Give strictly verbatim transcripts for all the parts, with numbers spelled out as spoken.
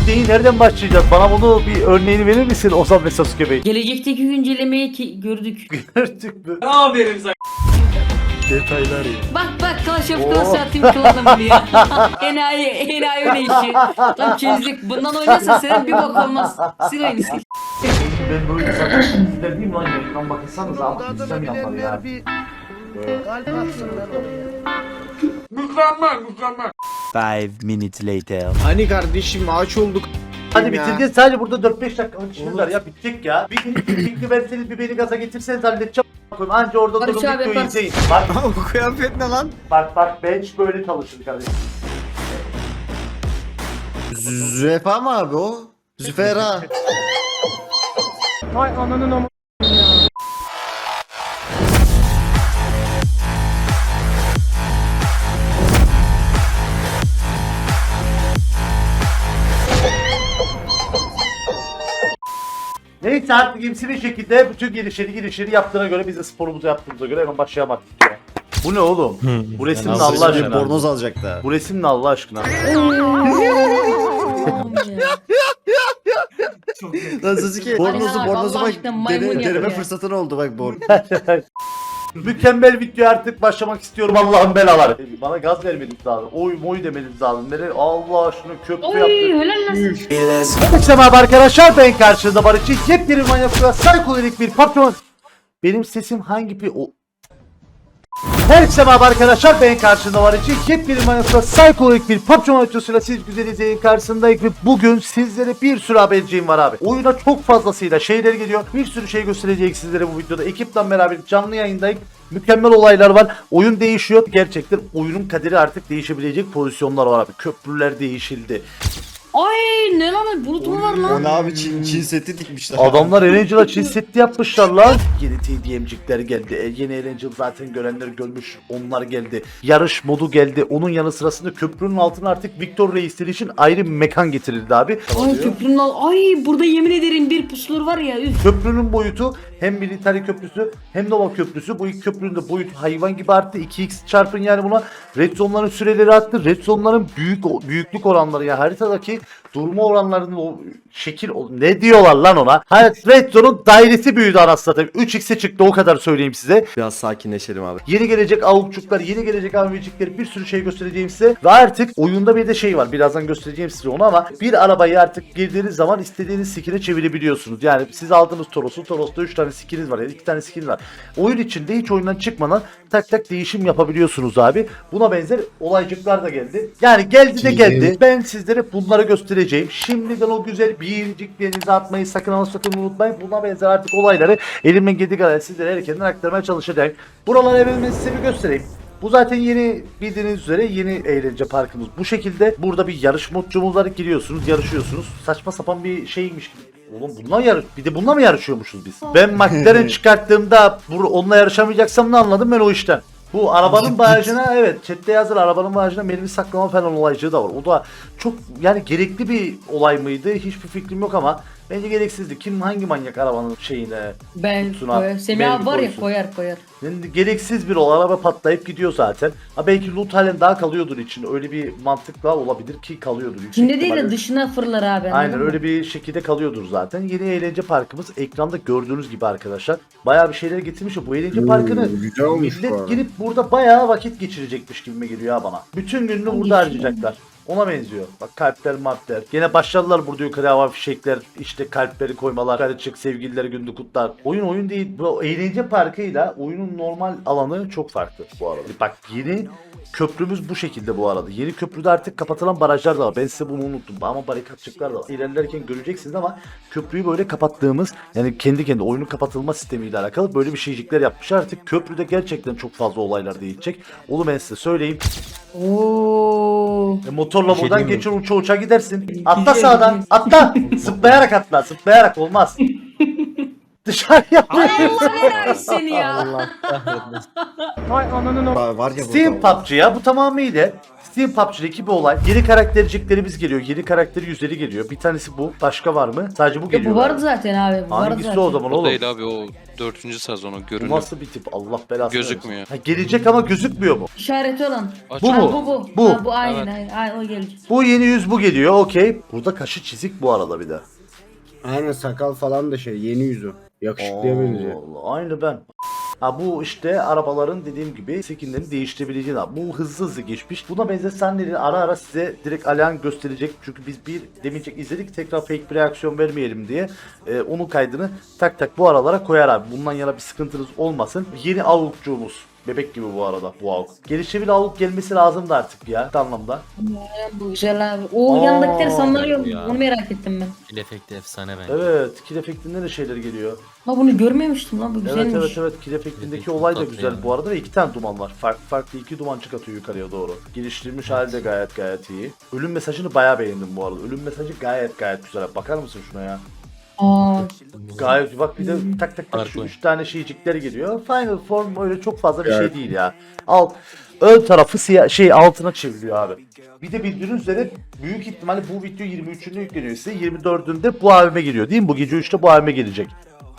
neyi nereden başlayacağız? Bana bunu bir örneğini verir misin Ozan ve Sasuke Bey? Gelecekteki güncellemeyi ki gördük. Gördük mü? Aferin sana. Detaylar ya. Bak bak Clash of Oo. Clans atayım klanım diye. enayi, enayi öyle işi. Tam çizdik. Bundan oynarsa senin bir bok olmaz. Sil oyunu sil. Ben böyle sana sizler değil mi lan? Yayından bakırsanız ama sistem yapar ya. Mükemmel mükemmel. Five minutes later. Hani kardeşim ağaç olduk. Hadi Ya. bitireceğiz. Sadece burada dört beş dakikalık işimiz var ya. Bitecek ya. Bir gün bir fikri verseniz bir beni gaza getirseniz halledeceğim. Anca orada Barış durun abi videoyu yaparsın. izleyin. Bak Bu kıyafet ne lan? bak bak bench böyle çalışır kardeşim. Zürefa mı abi o? Züfera. Hay ananın ama. Neyse artık imsi bir şekilde bütün girişleri girişleri yaptığına göre biz de sporumuzu yaptığımıza göre hemen başlayamadık ya. Bu ne oğlum? Bu resim ne Allah aşkına? Bornoz alacak da. Bu resim ne Allah aşkına? Lan Sasuke bornozu Allah bornozu bak aşkına maymun dene, deneme yapıyor. fırsatın oldu bak bornoz. Mükemmel video artık başlamak istiyorum Allah'ın belaları. Bana gaz vermeniz lazım. Oy moy demeniz lazım. Nere Allah şunu köprü Oy yaptı. helal lan. Herkese merhaba arkadaşlar, ben karşınızda Barış'ı. Yepyeni bir manyak ve psikodelik bir patron. Benim sesim hangi bir o... Herkese merhaba arkadaşlar, ben karşınızda Barış'ı. Yepyeni bir manyak ve psikodelik bir patron açısıyla siz güzel izleyin karşısındayım ve bugün sizlere bir sürü haberciğim var abi. Oyuna çok fazlasıyla şeyler geliyor. Bir sürü şey gösterecek sizlere bu videoda. Ekiple beraber canlı yayındayım. Mükemmel olaylar var. Oyun değişiyor. Gerçekten oyunun kaderi artık değişebilecek pozisyonlar var abi. Köprüler değişildi. Ay ne lan bulut mu var O lan? ne abi Çin, Çin seti dikmişler. Adamlar Erangel'a Çin setti yapmışlar lan. Yeni T D M'cikler geldi. E, yeni Erangel zaten görenler görmüş. Onlar geldi. Yarış modu geldi. Onun yanı sırasında köprünün altına artık Victor Reis'ler için ayrı bir mekan getirildi abi. Ay köprünün al. Ay burada yemin ederim bir pusulur var ya. Üf. Köprünün boyutu hem Military Köprüsü hem Nova Köprüsü. Bu iki köprünün de boyutu hayvan gibi arttı. iki x çarpın yani buna. Red Zone'ların süreleri arttı. Red Zone'ların büyük büyüklük oranları ya haritadaki durma oranlarının o şekil o, ne diyorlar lan ona? Hayır, Red Zone'un dairesi büyüdü anasını satayım. üç x'e çıktı, o kadar söyleyeyim size. Biraz sakinleşelim abi. Yeni gelecek avukçuklar, yeni gelecek avcıklar, bir sürü şey göstereceğim size. Ve artık oyunda bir de şey var. Birazdan göstereceğim size onu ama bir arabayı artık girdiğiniz zaman istediğiniz skin'e çevirebiliyorsunuz. Yani siz aldığınız Toros'u, Toros'ta üç tane skin'iniz var. Yani iki tane skin var. Oyun içinde hiç oyundan çıkmadan tak tak değişim yapabiliyorsunuz abi. Buna benzer olaycıklar da geldi. Yani geldi de geldi. Ben sizlere bunları göstereceğim. Şimdiden o güzel biriciklerinizi atmayı sakın ama sakın unutmayın. Buna benzer artık olayları elimden geldiği kadar sizlere erkenden aktarmaya çalışacağım. Buraları evime size bir göstereyim. Bu zaten yeni bildiğiniz üzere yeni eğlence parkımız. Bu şekilde burada bir yarış modcumuz var. Giriyorsunuz, yarışıyorsunuz. Saçma sapan bir şeymiş gibi. Oğlum bununla yarış, bir de bununla mı yarışıyormuşuz biz? Ben McLaren çıkarttığımda bu onunla yarışamayacaksam ne anladım ben o işten? Bu arabanın bagajına evet chatte yazır, arabanın bagajına mermi saklama falan olaycığı da var. O da çok yani gerekli bir olay mıydı? Hiçbir fikrim yok ama bence gereksizdi. Kim hangi manyak arabanın şeyine Ben kutusuna koyar. Semih mermi abi var ya koysun? koyar koyar. Yani gereksiz bir olay, araba patlayıp gidiyor zaten. Ha belki loot halen daha kalıyordur için. Öyle bir mantıkla olabilir ki kalıyordur. yüksek İçinde değil de ihtimalle. dışına fırlar abi. Aynen anladın mı? öyle bir şekilde kalıyordur zaten. Yeni eğlence parkımız ekranda gördüğünüz gibi arkadaşlar. Bayağı bir şeyler getirmiş. Bu eğlence parkını güzel olmuş bu millet arada. girip burada bayağı vakit geçirecekmiş gibime geliyor ha bana. Bütün gününü burada Geçiyor. harcayacaklar. Ona benziyor. Bak kalpler marpler. Gene başladılar burada yukarı hava fişekler, işte kalpleri koymalar, karışık sevgililer gününü kutlar. Oyun oyun değil. Bu eğlence parkıyla oyunun normal alanı çok farklı bu arada. Bak yeni köprümüz bu şekilde bu arada. Yeni köprüde artık kapatılan barajlar da var. Ben size bunu unuttum. Ama barikatçıklar da var. İlerlerken göreceksiniz ama köprüyü böyle kapattığımız yani kendi kendi oyunun kapatılma sistemiyle alakalı böyle bir şeycikler yapmışlar. Artık köprüde gerçekten çok fazla olaylar değişecek. Onu ben size söyleyeyim. Oo. E, motorla Bir şey buradan diyeyim mi? geçir uça uça gidersin. Atla Güzel, sağdan. güzel. Atla. Zıplayarak atla. Zıplayarak olmaz. Dışarıya Allah enayi seni ya. Allah kahretmesin. Vay ananın o. Var var ya Steam burada. P U B G ya bu tamamıyla Steam P U B G'deki bir olay. Yeni karakterciklerimiz geliyor. Yeni karakteri yüzleri geliyor. Bir tanesi bu. Başka var mı? Sadece bu Ya geliyor. bu vardı zaten abi. Bu vardı Hangisi zaten. o zaman O oğlum? değil abi, o dördüncü sezonu Bu görünüyor. nasıl bir tip? Allah belasını Gözükmüyor. versin. Ha, gelecek ama gözükmüyor mu? İşareti olan. Aç- Bu Ha, mu? bu bu. Bu. Ha, bu aynen Evet. aynen. Aynen, o gelecek. Bu yeni yüz bu geliyor. Okey. Burada kaşı çizik bu arada bir de. Aynen sakal falan da şey yeni yüzü. Yakışıklıya benziyor. Allah, aynı ben. Ha bu işte arabaların dediğim gibi skinlerini değiştirebileceğin. Bu hızlı hızlı geçmiş. Buna benzer sahneleri ara ara size direkt Alihan gösterecek. Çünkü biz bir demeyecek izledik, tekrar fake bir reaksiyon vermeyelim diye. Ee, onun kaydını tak tak bu aralara koyar abi. Bundan yana bir sıkıntınız olmasın. Yeni avukçuğumuz. Bebek gibi bu arada bu avuk. Gelişebilir avuk gelmesi lazımdı artık ya bir anlamda. Aynen, bu güzel abi. O Aa, yandakileri sanırıyorum. ya. Onu merak ettim ben. Kill efekti efsane bence. Evet, kill efektinden de şeyler geliyor. Ha bunu görmemiştim lan bu Evet güzelmiş. evet evet kill efektindeki Çok olay da tatlı güzel yani. bu arada ve iki tane duman var. Farklı farklı iki duman çıkartıyor yukarıya doğru. Geliştirilmiş hali de gayet gayet iyi. Ölüm mesajını bayağı beğendim bu arada. Ölüm mesajı gayet gayet güzel. Bakar mısın şuna ya? Aa, Gayet bak bir de tak tak tak şu Farklı. üç tane şeycikler geliyor. Final form öyle çok fazla bir şey değil ya. Alt ön tarafı siyah şey altına çevriliyor abi. Bir de bildiğiniz üzere büyük ihtimalle bu video yirmi üçünde yükleniyor size. yirmi dördünde bu A V M geliyor değil mi? Bu gece üçte bu A V M gelecek.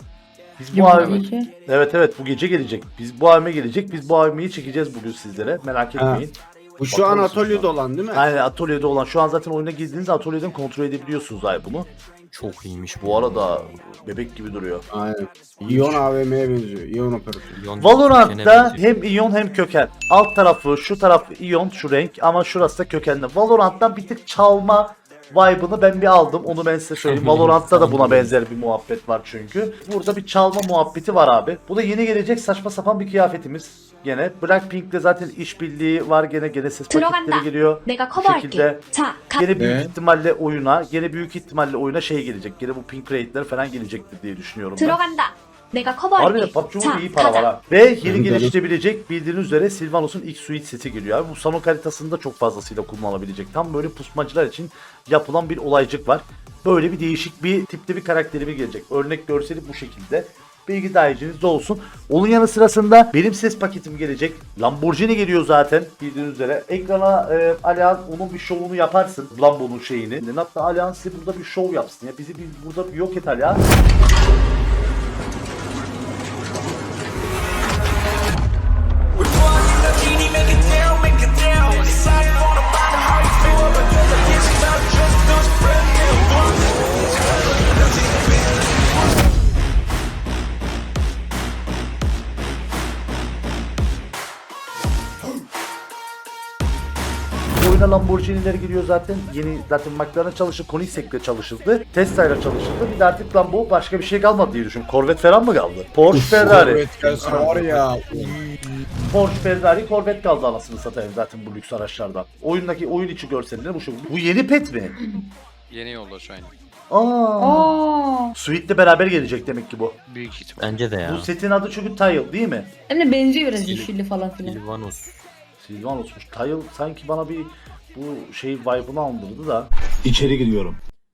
Biz bu A V M gece. Evet evet bu gece gelecek. Biz bu A V M gelecek. Biz bu A V M'yi çekeceğiz bugün sizlere. Merak etmeyin. Bu şu Bakar an mısın atölyede şu an? olan değil mi? Aynen atölyede olan. Şu an zaten oyuna girdiğinizde atölyeden kontrol edebiliyorsunuz abi bunu. Çok iyiymiş Bu arada bebek gibi duruyor. Aynen. İyon A V M'ye benziyor. İyon operatörü. Milyon Valorant'ta kökene benziyor. hem iyon hem köken. Alt tarafı şu tarafı iyon şu renk ama şurası da kökenli. Valorant'tan bir tık çalma vibe'ını ben bir aldım. Onu ben size söyleyeyim. Valorant'ta da buna benzer bir muhabbet var çünkü. Burada bir çalma muhabbeti var abi. Bu da yeni gelecek saçma sapan bir kıyafetimiz. Gene Blackpink'le zaten işbirliği var gene gene ses paketleri geliyor. 내가 Bu 커버할게. şekilde 자, 가. gene büyük Ne? ihtimalle oyuna, gene büyük ihtimalle oyuna şey gelecek. Gene bu pink raid'ler falan gelecektir diye düşünüyorum ben. 들어간다. 내가 Harbiden 커버할게. P U B G'de 자, iyi para var 가자. ha. Ve yeni Tabii, geliştirebilecek bildiğiniz üzere Sylvanos'un ilk suite seti geliyor abi. Bu Sanok haritasında çok fazlasıyla kullanılabilecek. Tam böyle pusmacılar için yapılan bir olaycık var. Böyle bir değişik bir tipte bir karakterimi gelecek. Örnek görseli bu şekilde. Bilgi dahilinizde olsun. Onun yanı sırasında benim ses paketim gelecek. Lamborghini geliyor zaten bildiğiniz üzere. Ekrana e, Alihan onun bir şovunu yaparsın. Lambo'nun şeyini. Hatta Alihan size burada bir şov yapsın. Ya bizi bir, burada bir yok et Alihan. Oyuna Lamborghini'ler geliyor zaten. Yeni zaten McLaren çalışıldı, Koenigsegg'le çalışıldı. Tesla'yla çalışıldı. Bir de artık Lambo başka bir şey kalmadı diye düşün. Corvette falan mı kaldı? Porsche, Ferrari. Evet gelsin var ya. Porsche, Ferrari, Corvette kaldı anasını satayım zaten bu lüks araçlardan. Oyundaki oyun içi görselleri bu şu. Bu yeni pet mi? Yeni yolla şu an. Aa. Aa. Suite'le beraber gelecek demek ki bu. Büyük ihtimal. Bence de ya. Bu setin adı çünkü Tile değil mi? Hem de benziyor biraz Sil- yeşilli falan filan. Silvanus. Sylvanos'muş. Tile sanki bana bir bu şey vibe'ını andırdı da. İçeri giriyorum.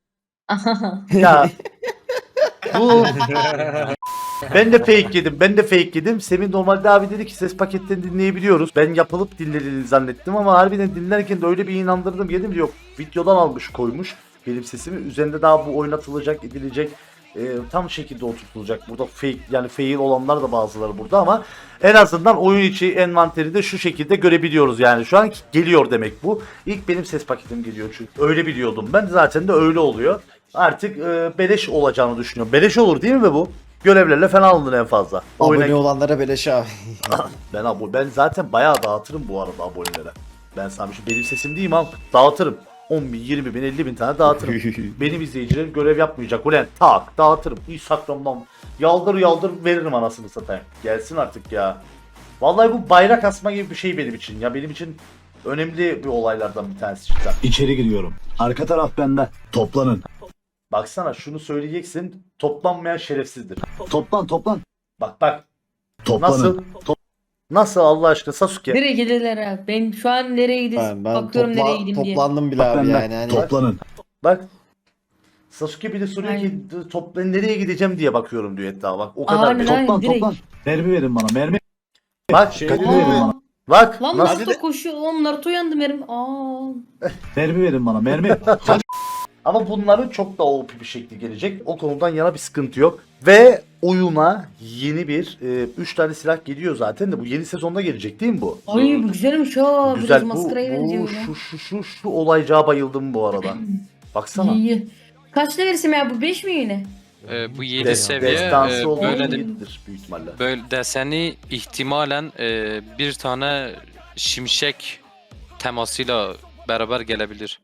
Ya bu ben de fake yedim. Ben de fake yedim. Semih normalde abi dedi ki ses paketlerini dinleyebiliyoruz. Ben yapılıp dinlediğini zannettim ama harbiden dinlerken de öyle bir inandırdım. Yedim yok. Videodan almış koymuş benim sesimi. Üzerinde daha bu oynatılacak, edilecek. E, tam şekilde oturtulacak. Burada fake yani fail olanlar da bazıları burada ama en azından oyun içi envanteri de şu şekilde görebiliyoruz yani. Şu an geliyor demek bu. İlk benim ses paketim geliyor çünkü. Öyle biliyordum. Ben zaten de öyle oluyor. Artık e, beleş olacağını düşünüyorum. Beleş olur değil mi be bu? Görevlerle falan alındın en fazla. Oyuna... Abone olanlara beleş abi. ben abo ben zaten bayağı dağıtırım bu arada abonelere. Ben sana bir şey benim sesim değil mi abi? Dağıtırım. on bin, yirmi bin, elli bin tane dağıtırım. Benim izleyicilerim görev yapmayacak. Ulan tak dağıtırım. Instagram'dan yaldır yaldır veririm anasını satayım. Gelsin artık ya. Vallahi bu bayrak asma gibi bir şey benim için. Ya benim için önemli bir olaylardan bir tanesi cidden. İçeri giriyorum. Arka taraf bende. Toplanın. Baksana şunu söyleyeceksin. Toplanmayan şerefsizdir. Toplan toplan. Bak bak. Toplanın. Nasıl? Nasıl Allah aşkına Sasuke? Nereye gidiyorlar abi? Ben şu an nereye gidiyorsun? Ben, ben Bakıyorum topla- nereye gideyim diye. toplandım bile Bak abi bende. yani. Hani Toplanın. Bak. Sasuke bir de soruyor ki Aynen. top ben nereye gideceğim diye bakıyorum diyor etrafa bak. O kadar Aynen, bir. aynen. Toplan direkt. toplan. Mermi verin bana mermi. Bak Şey Mermi dedi verin mi? bana. bak Lan nasıl Naruto koşuyor. Oğlum Naruto yandı benim. Aa. Mermi verin bana mermi. ama bunların çok daha O P bir şekli gelecek. O konudan yana bir sıkıntı yok. Ve oyuna yeni bir üç tane silah geliyor zaten de bu yeni sezonda gelecek değil mi bu? Ay bu güzelmiş ha. Güzel Biraz bu, maskaraya benziyor. bu böyle. şu şu şu şu olaycağa bayıldım bu arada. Baksana. İyi, iyi. Kaçta verirsin ya bu beş mi yine? Ee, bu yedi Des, seviye destansı e, olduğu böyle de, iyidir büyük ihtimalle. böyle deseni ihtimalen e, bir tane şimşek temasıyla beraber gelebilir.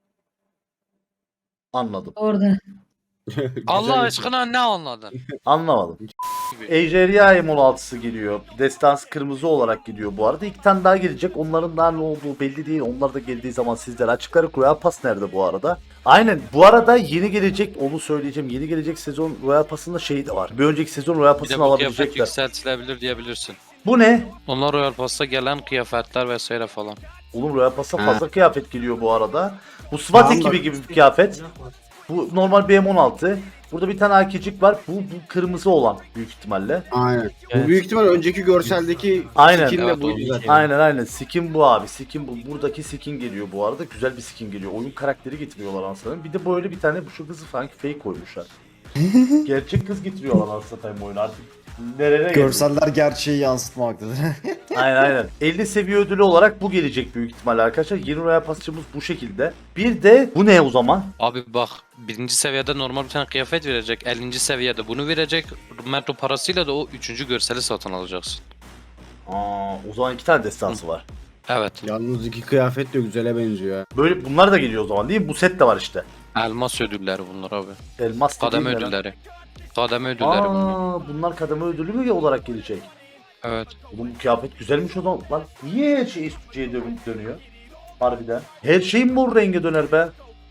Anladım. Orada. Allah aşkına ne anladın? Anlamadım. Ejderha M on altısı geliyor. Destans kırmızı olarak gidiyor bu arada. İki tane daha gelecek. Onların daha ne olduğu belli değil. Onlar da geldiği zaman sizlere açıkları. Royal Pass nerede bu arada? Aynen. Bu arada yeni gelecek, onu söyleyeceğim. Yeni gelecek sezon Royal Pass'ında şey de var. Bir önceki sezon Royal Bir de Pass'ını bu kıyafet alabilecekler. yükseltilebilir diyebilirsin. Bu ne? Onlar Royal Pass'ta gelen kıyafetler vesaire falan. Oğlum Royal Pass'a Ha. fazla kıyafet geliyor bu arada. Bu SWAT Tamam, ekibi bak. gibi bir kıyafet. Bu normal B M on altı. Burada bir tane A K'cik var. Bu, bu kırmızı olan büyük ihtimalle. Aynen. Evet. Bu büyük ihtimal önceki görseldeki Aynen. skin de Evet, buydu o zaten. Aynen aynen. Skin bu abi. Skin bu. Buradaki skin geliyor bu arada. Güzel bir skin geliyor. Oyun karakteri getiriyorlar anasını. Bir de böyle bir tane şu kızı sanki fake koymuşlar. Gerçek kız getiriyorlar anasını satayım oyunu artık. Nereye geliyor? Görseller gerçeği yansıtmaktadır. Aynen aynen. elli seviye ödülü olarak bu gelecek büyük ihtimalle arkadaşlar. Yeni Royal Pass'ımız bu şekilde. Bir de bu ne o zaman? Abi bak birinci seviyede normal bir tane kıyafet verecek. ellinci seviyede bunu verecek. Metro parasıyla da o üçüncü görseli satın alacaksın. Aa, o zaman iki tane destansı var. Evet. Yalnız iki kıyafet de güzele benziyor ha. Böyle bunlar da geliyor o zaman değil mi? Bu set de var işte. Elmas ödülleri bunlar abi. Elmas da Kademe değil mi lan? ödülleri. Kademe ödülleri bunlar. Aa, bunlar kademe ödülü mü olarak gelecek? Evet. Oğlum bu kıyafet güzelmiş o zaman. Lan niye her şey üstücüye dönüp dönüyor? Harbiden. Her şey mor renge döner be.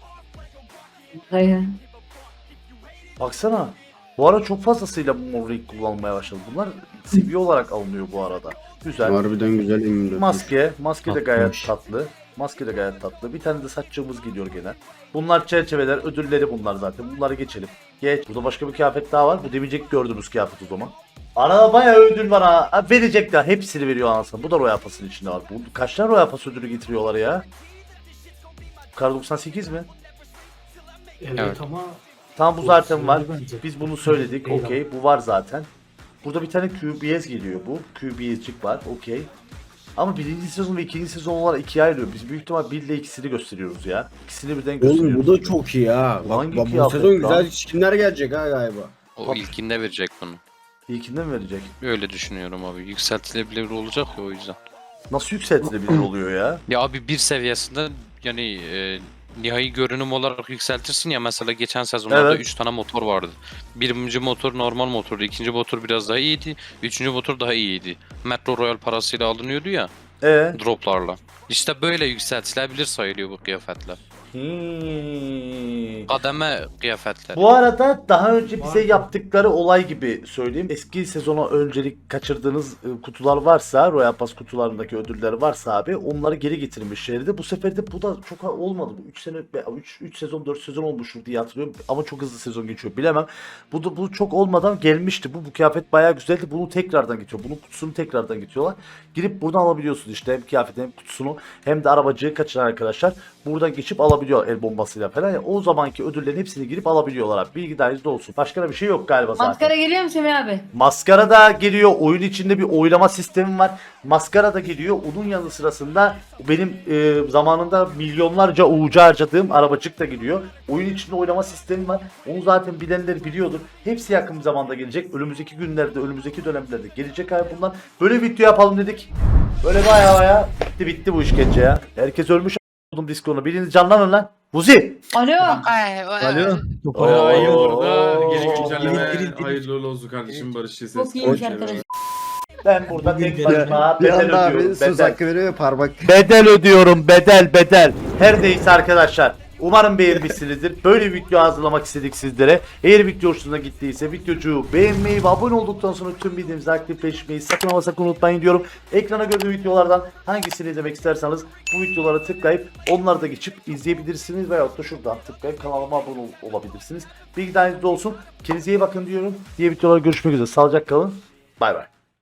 Hayır. Baksana. Bu ara çok fazlasıyla bu mor renk kullanmaya başladı. Bunlar seviye olarak alınıyor bu arada. Güzel. Harbiden güzel emin Maske. Maske de gayet Tatlıymış. tatlı. Maske de gayet tatlı. Bir tane de saççığımız geliyor gene. Bunlar çerçeveler, ödülleri bunlar zaten. Bunları geçelim. Geç. Burada başka bir kıyafet daha var. Bu demeyecek gördüğümüz kıyafet o zaman. Arada bayağı ödül var ha. Ha, verecekler. Hepsini veriyor anasını. Bu da Royal Pass'ın içinde var. Bu, kaç tane Royal Pass ödülü getiriyorlar ya? Kar doksan sekiz mi? Evet. ama Tamam bu Bu zaten var. söyledi bence. Biz bunu söyledik. Eyvallah. Okey. Bu var zaten. Burada bir tane Q B S geliyor bu. Q B S'cik var. Okey. Ama birinci sezon ve ikinci sezon olarak ikiye ayrılıyor. Biz büyük ihtimal bir ile ikisini gösteriyoruz ya. İkisini birden gösteriyoruz. Oğlum bu da çok iyi ha. Bak, Hangi bak bu kıyafet sezon lan? güzel skinler gelecek ha galiba. O Tabii. ilkinde verecek bunu. İlkinden mi verecek? Öyle düşünüyorum abi. Yükseltilebilir olacak ya o yüzden. Nasıl yükseltilebilir oluyor ya? Ya abi bir seviyesinde yani e, nihai görünüm olarak yükseltirsin ya mesela geçen sezonlarda Evet. üç tane motor vardı. Birinci motor normal motordu, ikinci motor biraz daha iyiydi, üçüncü motor daha iyiydi. Metro Royal parasıyla alınıyordu ya Ee? droplarla. İşte böyle yükseltilebilir sayılıyor bu kıyafetler. Hmm. Kademe kıyafetler. Bu arada daha önce bize yaptıkları olay gibi söyleyeyim. Eski sezona öncelik kaçırdığınız e, kutular varsa, Royal Pass kutularındaki ödüller varsa abi onları geri getirmişlerdi. Bu sefer de bu da çok olmadı. Bu üç sene üç sezon dört sezon olmuştur diye hatırlıyorum ama çok hızlı sezon geçiyor bilemem. Bu da bu çok olmadan gelmişti. Bu bu kıyafet bayağı güzeldi. Bunu tekrardan getiriyor. Bunun kutusunu tekrardan getiriyorlar. Girip buradan alabiliyorsun işte hem kıyafeti hem kutusunu hem de arabacığı kaçıran arkadaşlar buradan geçip alabiliyor el bombasıyla falan. Yani o zamanki ödüllerin hepsini girip alabiliyorlar abi. Bilgi dahilinizde olsun. Başka da bir şey yok galiba zaten. Maskara geliyor mu Semih abi? Maskara da geliyor. Oyun içinde bir oylama sistemi var. Maskara da geliyor. Onun yanı sırasında benim e, zamanında milyonlarca uğucu harcadığım arabacık da geliyor. Oyun içinde oylama sistemi var. Onu zaten bilenler biliyordur. Hepsi yakın bir zamanda gelecek. Önümüzdeki günlerde, önümüzdeki dönemlerde gelecek abi bunlar. Böyle video yapalım dedik. Böyle baya baya bitti bitti bu işkence ya. Herkes ölmüş a**ım Discord'una. Biriniz canlanın lan. Vuzi. Alo. Alo. Oo. iyi olur da geri Oo. güncelleme Girin, girin. hayırlı uğurlu olsun kardeşim Barış Ses. Çok iyiymiş arkadaş. Ben burada tek başıma Bir bedel anda abi ödüyorum. söz Bedel. hakkı veriyor ya parmak. Bedel ödüyorum bedel bedel. Her neyse arkadaşlar. Umarım beğenmişsinizdir. Böyle bir video hazırlamak istedik sizlere. Eğer video hoşunuza gittiyse videocu beğenmeyi ve abone olduktan sonra tüm bildirimleri aktifleşmeyi sakın ama sakın unutmayın diyorum. Ekrana gördüğü videolardan hangisini izlemek isterseniz bu videolara tıklayıp onları da geçip izleyebilirsiniz veyahut da şuradan tıklayıp kanalıma abone ol- olabilirsiniz. Bilgi dahilinizde olsun. Kendinize iyi bakın diyorum. Diğer videolarda görüşmek üzere. Sağlıcakla kalın. Bay bay.